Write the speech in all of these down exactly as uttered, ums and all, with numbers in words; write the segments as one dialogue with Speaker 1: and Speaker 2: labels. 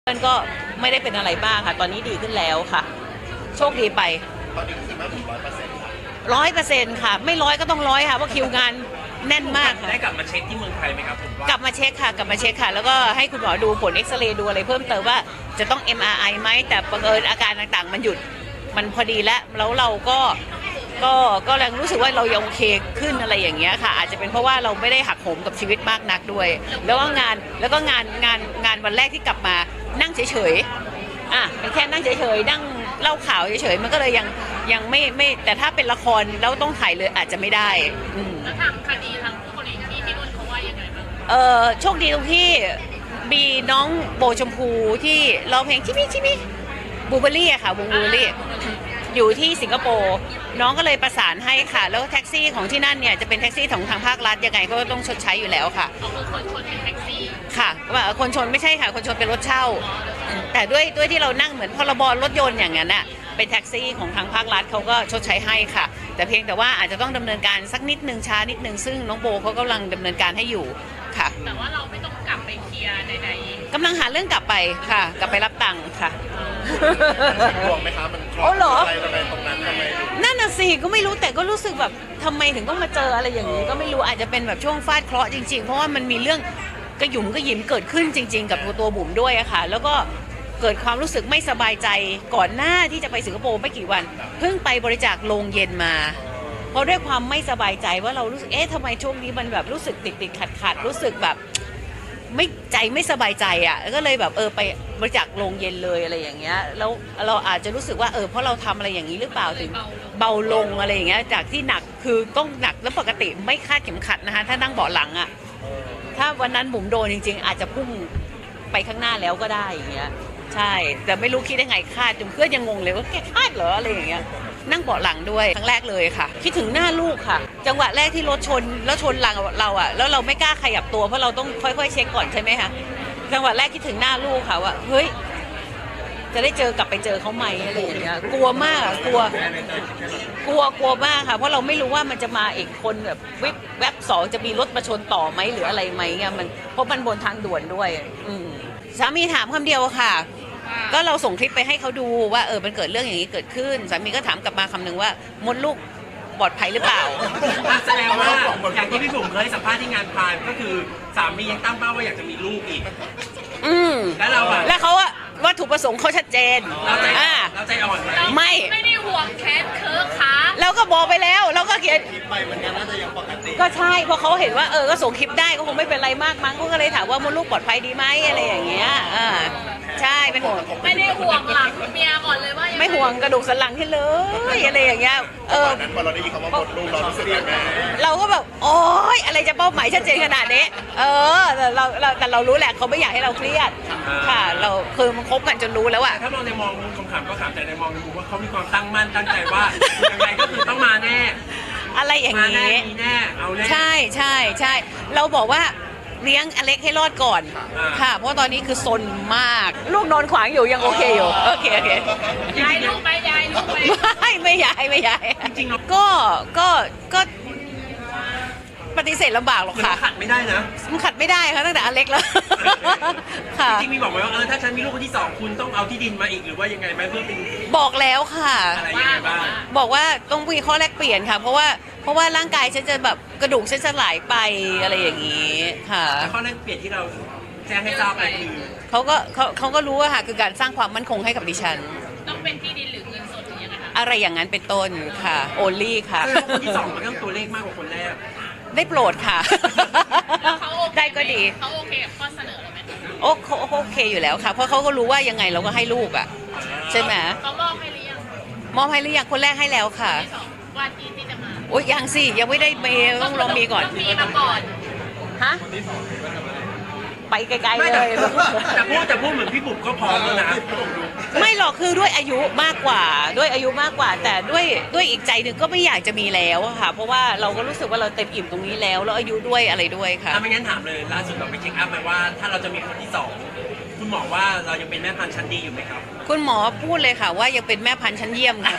Speaker 1: เพื่อนก็ไม่ได้เป็นอะไรมากค่ะตอนนี้ดีขึ้นแล้วค่ะโชคดีไป
Speaker 2: ตอนนี้คือมาถึงร้อยเปอร์เซ็นต์
Speaker 1: ร้อยเปอร์เซ็นต์ค่ะไม่ร้อยก็ต้องร้อยค่ะเพราะคิวงานแน่นมากค่ะ
Speaker 3: ได้กลับมาเช็คที่เมืองไทยไหมครับผม
Speaker 1: กลับมาเช็คค่ะกลับมาเช็คค่ะแล้วก็ให้คุณหมอดูผลเอ็กซเรย์ดูอะไรเพิ่มเติมว่าจะต้อง เอ็ม อาร์ ไอ ไหมแต่บังเอิญอาการต่างๆมันหยุดมันพอดีแล้วแล้วเราก็ก็ก็แรงรู้สึกว่าเรายังโอเคขึ้นอะไรอย่างเงี้ยค่ะอาจจะเป็นเพราะว่าเราไม่ได้หักโหมกับชีวิตมากนักด้วยแล้วก็งานแล้วก็งานงานงานวันแรกที่กลับมานั่งเฉยๆอ่ะเป็นแค่นั่งเฉยๆนั่งเล่าข่าวเฉยๆมันก็เลยยังยังไม่ไม่แต่ถ้าเป็นละครแล้วต้องถ่ายเลยอาจจะไม่ได้อืม
Speaker 4: แล้วทางคดีทางผู้กรณีที่ที่นู่นเขาว่ายังไงบ้าง
Speaker 1: เออโชคดีตรงที่มีน้องโบชมพูที่ร้องเพลงชิมิชิมิบูเบอรี่อะค่ะวงบูเบอรี่อยู่ที่สิงคโปร์น้องก็เลยประสานให้ค่ะแล้วแท็กซี่ของที่นั่นเนี่ยจะเป็นแท็กซี่ของทางภาครัฐยังไงก็ต้องชดใช้อยู่แล้วค่ะ
Speaker 4: เขาคือคนชนเป็นแท็กซี่
Speaker 1: ค่ะว่าคนชนไม่ใช่ค่ะคนชนเป็นรถเช่าแต่ด้วยด้วยที่เรานั่งเหมือนพรบรถยนต์อย่างนั้นน่ะเป็นแท็กซี่ของทางภาครัฐเขาก็ชดใช้ให้ค่ะแต่เพียงแต่ว่าอาจจะต้องดำเนินการสักนิดนึงช้านิดนึงซึ่งน้องโบเขากำลังดำเนินการให้อยู่ค่ะ
Speaker 4: แต่ว่าเราไม่ต้องกลับไปเคลียร์ใด
Speaker 1: ๆกำลังหาเรื่องกลับไปค่ะกลับไปรับตังค์ค่ะ
Speaker 2: ห่วงไหมคะมันครอบอะไรอะไรตรงนั้นทำไม
Speaker 1: นั่นน่ะสิก็ไม่รู้แต่ก็รู้สึกแบบทำไมถึงต้องมาเจออะไรอย่างนี้ก็ไม่รู้อาจจะเป็นแบบช่วงฟาดเคราะห์จริงๆเพราะว่ามันมีเรื่องกระหยุ่มกระหยิมเกิดขึ้นจริงๆกับตัวบุ๋มด้วยอะค่ะแล้วก็เกิดความรู้สึกไม่สบายใจก่อนหน้าที่จะไปสิงคโปร์ไม่กี่วันเพิ่งไปบริจาคโรงเย็นมาเพราะด้วยความไม่สบายใจว่าเรารู้สึกเอ๊ะทำไมช่วงนี้มันแบบรู้สึกติดติดขัดขัดรู้สึกแบบไม่ใจไม่สบายใจอ่ะก็เลยแบบเออไปบริจาคโรงเย็นเลยอะไรอย่างเงี้ยแล้วเราอาจจะรู้สึกว่าเออเพราะเราทำอะไรอย่างนี้หรือเปล่าถึงเบาลงอะไรอย่างเงี้ยจากที่หนักคือต้องหนักแล้วปกติไม่คาดเข็มขัดนะคะถ้านั่งเบาะหลังอ่ะถ้าวันนั้นบุ๋มโดนจริงๆอาจจะพุ่งไปข้างหน้าแล้วก็ได้อย่างเงี้ยใช่แต่ไม่รู้คิดได้ไงคาดจนเพื่อนยังงงเลยว่าแกคาดเหรออะไรอย่างเงี้ยนั่งเบาะหลังด้วยครั้งแรกเลยค่ะคิดถึงหน้าลูกค่ะจังหวะแรกที่รถชนแล้วชนหลังเราอ่ะแล้วเราไม่กล้าขยับตัวเพราะเราต้องค่อยๆเช็คก่อนใช่ไหมคะจังหวะแรกคิดถึงหน้าลูกค่ะว่าเฮ้ยจะได้เจอกลับไปเจอเขาไหมอะไรอย่างเงี้ยกลัวมากกลัวกลัวกลัวมากค่ะเพราะเราไม่รู้ว่ามันจะมาอีกคนแบบวิบแวบสองจะมีรถมาชนต่อไหมหรืออะไรไหมเงี้ยมันเพราะมันบนทางด่วนด้วยอืมสามีถามคำเดียวค่ะก็เราส่งคลิปไปให้เขาดูว่าเออมันเกิดเรื่องอย่างนี้เกิดขึ้นสามีก็ถามกลับมาคำหนึ่งว่ามดลูกปลอดภัยหรือเปล่า
Speaker 3: แสดงว่าอย่างที่พี่บุ๋มเคยสัมภาษณ์ที่งานพายก็คือสามียังตั้งเป้าว่าอยากจะมีลูกอีก
Speaker 1: อืม
Speaker 3: แล้วเราอะ
Speaker 1: แล้วเขาอะวัตถุประสงค์เขาชัดเจน
Speaker 3: เราใจเราใจอ่อนไหม
Speaker 1: ไม่
Speaker 4: ไม่ได้ห่วงแคสเคิร์ฟค่ะ
Speaker 1: เราก็บอกไปแล้วเราก็เขียน
Speaker 2: คลิปไปมันน่าจะยังปกติ
Speaker 1: ก็ใช่เพราะเขาเห็นว่าเออก็ส่งคลิปได้ก็คงไม่เป็นไรมากมั้งก็เลยถามว่ามดลูกปลอดภัยดีไหมอะไรอย่างเงี้ยอ่าใช่เป็นห่วง
Speaker 4: ไม่ได้ห่วงหลังเมียก่อนเลยว่า
Speaker 1: ไม่ห่วงกระดูกสันหลังที่เลยอะไรอย่างเงี้ยเออ
Speaker 2: นั้นพอเราได้ยินคำว่ามดลูกเรารู้สึกยังไง
Speaker 1: เราก็แบบโอ๊ยอะไรจะเป้าหมายชัดเจนขนาดนี้เออแต่เราแต่เรารู้แหละเขาไม่อยากให้เราเครียดค่ะเราคือมันคบกันจนรู้แล้วอะ
Speaker 3: ถ้ามองในมองคำถามก็ถามแต่ในมองในมุมว่าเขามีความตั้งมั่นตั้งใจว่ายังไงก็คือต้องมาแน่
Speaker 1: อะไรอย่างนี้
Speaker 3: มีแน่เอาแน่
Speaker 1: ใช่ใช่ใช่เราบอกว่าเลี้ยงอเล็กให้รอดก่อนค่ะเพราะตอนนี้คือซนมากลูกนอนขวางอยู่ยังโอเคอยู่โอเคโอเค
Speaker 4: ยายลูกไหมยายลูกไหม
Speaker 1: ไม่ไม่ยายไม่ยาย
Speaker 3: จริงๆ
Speaker 1: ก็ก็ก็ปฏิเสธลำบากหรอกค่ะ
Speaker 3: ขัดไม่ได้นะ
Speaker 1: มันขัดไม่ได้ค่ะตั้งแต่อเล็กแล้ว
Speaker 3: ค่ะจริงๆมีบอกไหมว่าเออถ้าฉันมีลูกคนที่สองคุณต้องเอาที่ดินมาอีกหรือว่ายังไงไหมเพื่อเป็น
Speaker 1: บอกแล้วค่ะ
Speaker 3: อะไรยังไงบ้าง
Speaker 1: บอกว่าต้องมีข้อแลกเปลี่ยนค่ะเพราะว่าเพราะว่าร่างกายฉันจะแบบกระดูกฉันจะไหลไปอะไรอย่างนี้ค่ะ
Speaker 3: ข้อแลกเปลี่ยนที่เราแจ้งให้ทราบไปคือ
Speaker 1: เขาก็เขาเขาก็รู้ว่าค่ะคือการสร้างความมั่นคงให้กับดิฉัน
Speaker 4: ต้องเป็นที่ดินหรือเงินสดหรือยังไงคะ
Speaker 1: อะไรอย่างนั้นเป็นต้นค่ะโอลี่ค่ะ
Speaker 3: คนที่สองมันต้องตัวเลขมากกว่าคนแรก
Speaker 1: ได้โปรดค่ะได้ก็ดี
Speaker 4: เขาโอเคกับข้อเสนอเราไหม
Speaker 1: โอ้เขาโอเคอยู่แล้วค่ะเพราะเขาก็รู้ว่ายังไงเราก็ให้ลูกอ่ะใช่ไหม
Speaker 4: เขามอบให้หรือยัง
Speaker 1: มอบให้หรือยังคนแรกให้แล้วค่ะ
Speaker 4: ว่าที่ที่จะมา
Speaker 1: โอ้ยยังสิยังไม่ได้เมย์ต้องลองมีก่อน
Speaker 4: มีมาก่อน
Speaker 1: ฮะไปไกลๆเลย
Speaker 3: แต่พูดแต่พูดเหมือนพี่บุ๋มก็พร้อมแล้วนะ
Speaker 1: ไม่หรอกคือด้วยอายุมากกว่าด้วยอายุมากกว่าแต่ด้วยด้วยอีกใจหนึ่งก็ไม่อยากจะมีแล้วค่ะเพราะว่าเราก็รู้สึกว่าเราเต็มอิ่มตรงนี้แล้วแล้วอายุด้วยอะไรด้วยค่ะ
Speaker 3: ถ้าไม่งั้นถามเลยล่าสุดเราไปเช็คอัพมาว่าถ้าเราจะมีคนที่สองคุณหมอว่าเรายังเป็นแม่พันธุ์ชั้นดีอยู่ไหมครับ
Speaker 1: คุณหมอพูดเลยค่ะว่ายังเป็นแม่พันธุ์ชั้นเยี่ยมค่ะ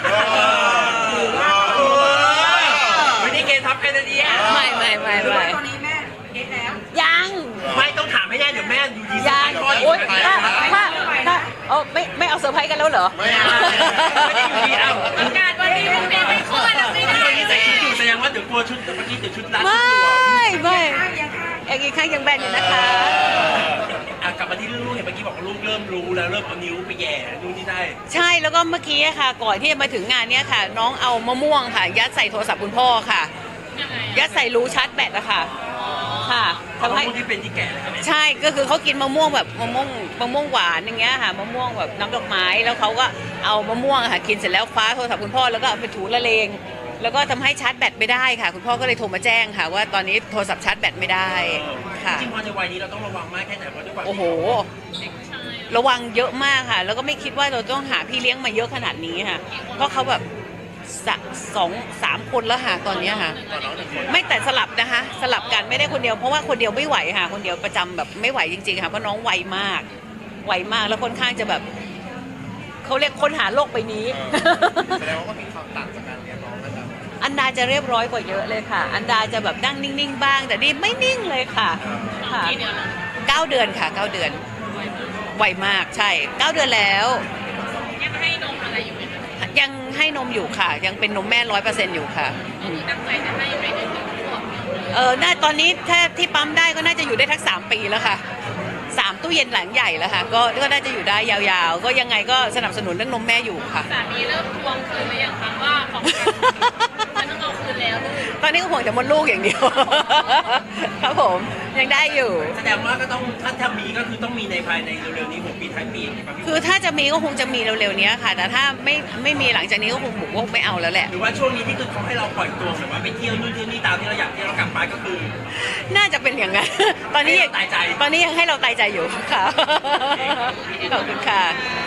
Speaker 3: ไม่ได้เกณฑ์ทับกันนะเนี่ย
Speaker 1: ไม่ไม่ไม่ไม่
Speaker 4: ตอนนี้แม่เด็กแล้ว
Speaker 1: ยัง
Speaker 3: ไม่ต้องถามให้แน่เดี๋ยวแม่อยู่ดี
Speaker 1: ยา
Speaker 3: พ่ออีก
Speaker 1: โอ๊ย
Speaker 3: ไป
Speaker 1: ถ้าถ้าถ้าเออไม่ไม่เอาเซอร์ไพรส์กันแล้วเหรอ
Speaker 2: ไม่เอา
Speaker 3: ไม่ได้อยู่ดีเอ้า
Speaker 4: ประกาศวันนี้พรุ่งนี้ไม่คลอดไม่ได้
Speaker 3: ตอนนี้ใส่ชุดอยู่แสดงว่าเดี๋ยวกลัวชุดเมื่อกี้เดี๋ยวชุดรัด
Speaker 1: ไม
Speaker 3: ชุดหลวม่
Speaker 1: ไม่เอกอีกข้างยังแบนอยู่นะคะ
Speaker 3: อ่ะกลับมาที่เรื่องลูกเห็นเมื่อกี้บอกว่าลูกเริ่มรู้แล้วเริ่มเอานิ้วไปแหย่นู่นนี่ได้
Speaker 1: ใช่แล้วก็เมื่อกี้อะค่ะ ก่อนที่จะมาถึงงานเนี้ยค่ะ น้องเอามะม่วงค่ะ ยัดใส่โทรศัพท์คุณพ่อค่ะ
Speaker 4: ยังไง
Speaker 1: ยัดใส่รูชาร์จแบตอะค่ะค่ะ
Speaker 3: เพราะ
Speaker 1: ทำ
Speaker 3: ว่า
Speaker 1: ให้
Speaker 3: พวกที่เป็นที่แก่เลยครับแม่
Speaker 1: ใช่ก็คือเขากินมะม่วงแบบมะม่วงมะม่วงหวานอย่างเงี้ยค่ะมะม่วงแบบน้ำดอกไม้แล้วเขาก็เอามะม่วงอะค่ะกินเสร็จแล้วคว้าโทรศัพท์คุณพ่อแล้วก็เอาไปถูละเลง แล้วก็ทำให้ชาร์จแบตไม่ได้ค่ะ คุณพ่อก็เลยโทรมาแจ้งค่ะ ว่าตอนนี้โทรศัพท์ชาร์จแบตไม่ได้ค่ะ
Speaker 3: จริงๆพอในวัยนี้เราต้องระวังมากแค่ไหนเพราะด้วยความ
Speaker 1: โอ้โห
Speaker 4: เด็กผู้ชาย
Speaker 1: ระวังเยอะมากค่ะ แล้วก็ไม่คิดว่าเราต้องหาพี่เลี้ยงมาเยอะขนาดนี้ค่ะ เพราะเขาแบบสะสองสามคนแล้วค่ะตอนเนี้ยค่ะ
Speaker 2: ตอนน้องหนึ่งคน
Speaker 1: ไม่แต่สลับนะคะ สลับกันไม่ได้คนเดียวเพราะว่าคนเดียวไม่ไหวค่ะ คนเดียวประจำแบบไม่ไหวจริงๆค่ะเพราะน้องไวมากไวมากแล้วค่อนข้างจะแบบเขาเรียกค้นหาโลกใบนี้
Speaker 2: แสดงว่าก็มีความต่างจากการเรียนน้องนะครับ
Speaker 1: อันดาจะเรียบร้อยกว่าเยอะเลยค่ะ อันดาจะแบบนั่งนิ่งๆบ้าง แต่นี่ไม่นิ่งเลยค่ะค่ะ
Speaker 4: กี่เดือนแล้ว
Speaker 1: เก้าเดือนค่ะเก้าเดือนไวมากใช่เก้าเดือนแล้ว
Speaker 4: ยังให้นมอะไรอยู่ไหมคะ
Speaker 1: ยังให้นมอยู่ค่ะ ยังเป็นนมแม่ร้อยเปอร์เซ็นต์อยู่ค่ะ
Speaker 4: ก็คือตั้งใจจะให้ไปจนถึงขวบ
Speaker 1: เออน่าตอนนี้ถ้าที่ปั๊มได้ก็น่าจะอยู่ได้ทักสามปีแล้วค่ะสามตู้เย็นหลังใหญ่แล้วค่ะก็ก็น่าจะอยู่ได้ยาวๆ ก็ยังไงก็สนับสนุนเรื่องนมแม่อยู่ค่ะ
Speaker 4: สามีเริ่มทวงคืนหรือยังคะว่าของฉันต้องเอาคืนแล้วลูก
Speaker 1: ตอนนี้ก็ห่วงแต่มดลูกอย่างเดียว ครับผมยังได้อยู่
Speaker 3: แสดงว่าก็ต้องถ้าทำมีก็คือต้องมีในภายในเร็วๆนี้หกปีท้ายปีอย่างนี้ป่ะพี่
Speaker 1: คือถ้าจะมีก็คงจะมีเร็วๆนี้ค่ะ แต่ถ้าไม่ไม่มีหลังจากนี้ก็คงบุกว่าไม่เอาแล้วแหละ
Speaker 3: หรือว่าช่วงนี้ที่คือเขาให้เราปล่อยตัวแบบว่าไปเที่ยวนู่นเที่ยวนี่ตามที่เราอยากเที่ยวเรากลับมาก็คือ
Speaker 1: น่าจะเป็นอย่างนั้น ตอนนี้ยัง
Speaker 3: ให้เราตายใจ
Speaker 1: ตอนนี้ยังให้เราตายใจอยู่ค่ะ ขอบคุณค่ะ